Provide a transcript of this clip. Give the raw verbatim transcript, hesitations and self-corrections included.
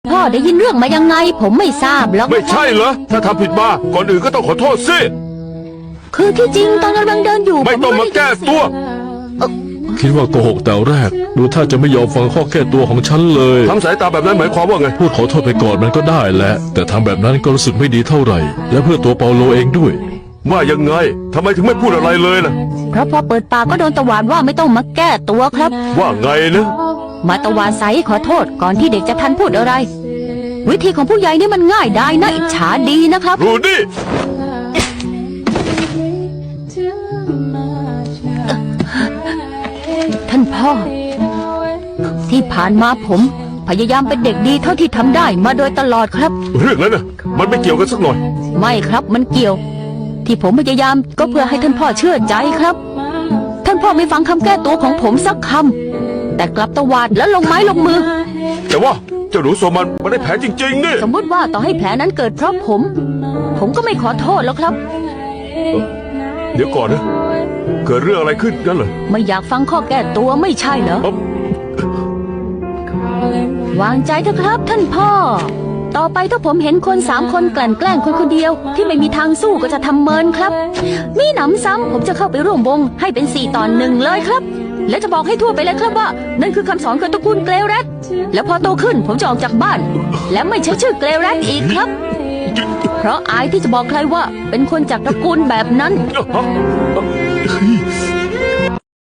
พ่อได้ยินเรื่องมายังไงผมไม่ทราบหรอกไม่ใช่เหรอถ้าทำผิดมาก่อนอื่นก็ต้องขอโทษสิคือที่จริงตอนกำลังเดินอยู่ไม่ต้องมาแก้ตัวคิดว่าโกหกแต่แรกดูถ้าจะไม่ยอมฟังข้อแก้ตัวของฉันเลยทำสายตาแบบนั้นหมายความว่าไงพูดขอโทษไปก่อนมันก็ได้แหละแต่ทำแบบนั้นก็รู้สึกไม่ดีเท่าไหร่และเพื่อตัวเปาโลเองด้วยว่ายังไงทำไมถึงไม่พูดอะไรเลยล่ะเพราะพอเปิดปากก็โดนตวาดว่าไม่ต้องมาแก้ตัวครับว่าไงนะมาตวาดใส่ขอโทษก่อนที่เด็กจะทันพูดอะไรวิธีของผู้ใหญ่นี่มันง่ายได้นะอิจฉาดีนะครับรูดี้ท่านพ่อที่ผ่านมาผมพยายามเป็นเด็กดีเท่าที่ทำได้มาโดยตลอดครับเรื่องนั้นน่ะมันไม่เกี่ยวกันสักหน่อยไม่ครับมันเกี่ยวที่ผมพยายามก็เพื่อให้ท่านพ่อเชื่อใจครับท่านพ่อไม่ฟังคำแก้ตัวของผมสักคำแต่กลับตวาดแล้วลงไม้ลงมือแต่ว่าเจ้าหนูโซมันมันได้แผลจริงๆนี่สมมติว่าต่อให้แผลนั้นเกิดเพราะผม ผมก็ไม่ขอโทษแล้วครับเดี๋ยวก่อนนะเกิดเรื่องอะไรขึ้นกันเหรอไม่อยากฟังข้อแก้ตัวไม่ใช่เหรอวางใจเถอะครับท่านพ่อต่อไปถ้าผมเห็นคนสามคนกลั่นแกล้งคนคนเดียวที่ไม่มีทางสู้ก็จะทำเมินครับมีหนำซ้ำผมจะเข้าไปร่วมวงให้เป็นสี่ต่อหนึ่งเลยครับและจะบอกให้ทั่วไปเลยครับว่านั่นคือคำสอนของตระกูลเกลแรดและพอโตขึ้นผมจะออกจากบ้านและไม่ใช้ชื่อเกลแรดอีกครับเพราะอายที่จะบอกใครว่าเป็นคนจากตระกูลแบบนั้น